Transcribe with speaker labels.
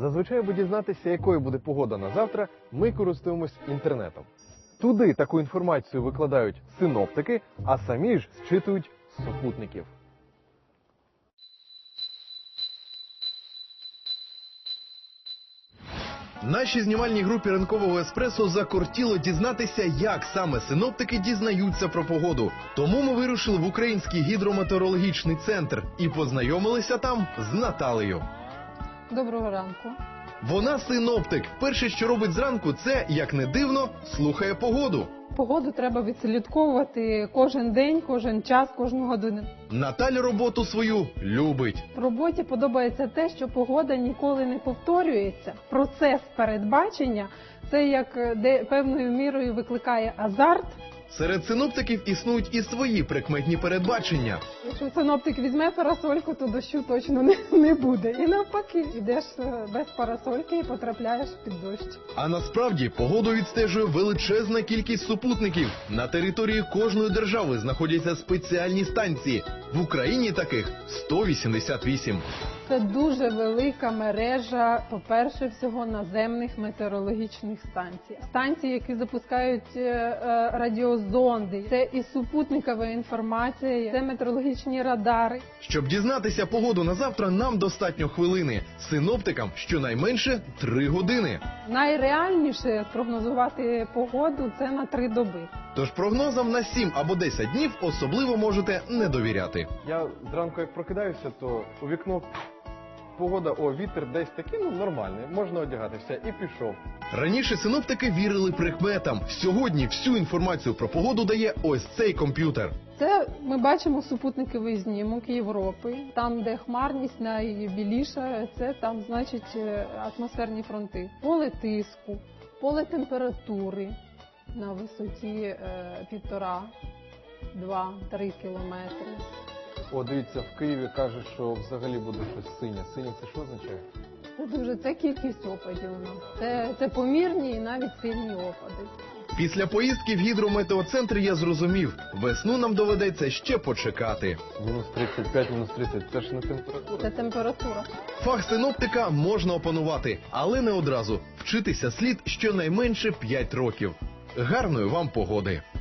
Speaker 1: Зазвичай, аби дізнатися, якою буде погода на завтра, ми користуємось інтернетом. Туди таку інформацію викладають синоптики, а самі ж зчитують з супутників. Нашій знімальній групі ранкового еспресо закортіло дізнатися, як саме синоптики дізнаються про погоду. Тому ми вирушили в Український гідрометеорологічний центр і познайомилися там з Наталею.
Speaker 2: Доброго ранку.
Speaker 1: Вона синоптик. Перше, що робить зранку, це, як не дивно, слухає погоду.
Speaker 2: Погоду треба відслідковувати кожен день, кожен час, кожну годину.
Speaker 1: Наталя роботу свою любить.
Speaker 2: В роботі подобається те, що погода ніколи не повторюється. Процес передбачення – це як певною мірою викликає азарт.
Speaker 1: Серед синоптиків існують і свої прикметні передбачення.
Speaker 2: Якщо синоптик візьме парасольку, то дощу точно не буде. І навпаки, йдеш без парасольки і потрапляєш під дощ.
Speaker 1: А насправді погоду відстежує величезна кількість супутників. На території кожної держави знаходяться спеціальні станції. В Україні таких 188.
Speaker 2: Це дуже велика мережа, по-перше, всього наземних метеорологічних станцій. Станції, які запускають радіозонди, це і супутникова інформація, це метеорологічні радари.
Speaker 1: Щоб дізнатися погоду на завтра, нам достатньо хвилини. Синоптикам щонайменше 3 години.
Speaker 2: Найреальніше спрогнозувати погоду – це на 3 доби.
Speaker 1: Тож прогнозам на 7 або 10 днів особливо можете не довіряти. Я зранку як прокидаюся, то у вікно погода, вітер десь такий, нормальний, можна одягатися, і пішов. Раніше синоптики вірили прикметам. Сьогодні всю інформацію про погоду дає ось цей комп'ютер.
Speaker 2: Це ми бачимо супутниковий знімок Європи. Там, де хмарність найбіліша, це там, значить, атмосферні фронти. Поле тиску, поле температури на висоті 1,5-2-3 кілометри.
Speaker 1: Дивіться, в Києві кажуть, що взагалі буде щось синє. Синє це що означає?
Speaker 2: Це кількість опадів у нас. Це помірні і навіть сильні опади.
Speaker 1: Після поїздки в гідрометеоцентр я зрозумів, весну нам доведеться ще почекати. Мінус 35, мінус 30 – це ж не температура?
Speaker 2: Це температура.
Speaker 1: Фах синоптика можна опанувати, але не одразу. Вчитися слід щонайменше 5 років. Гарної вам погоди!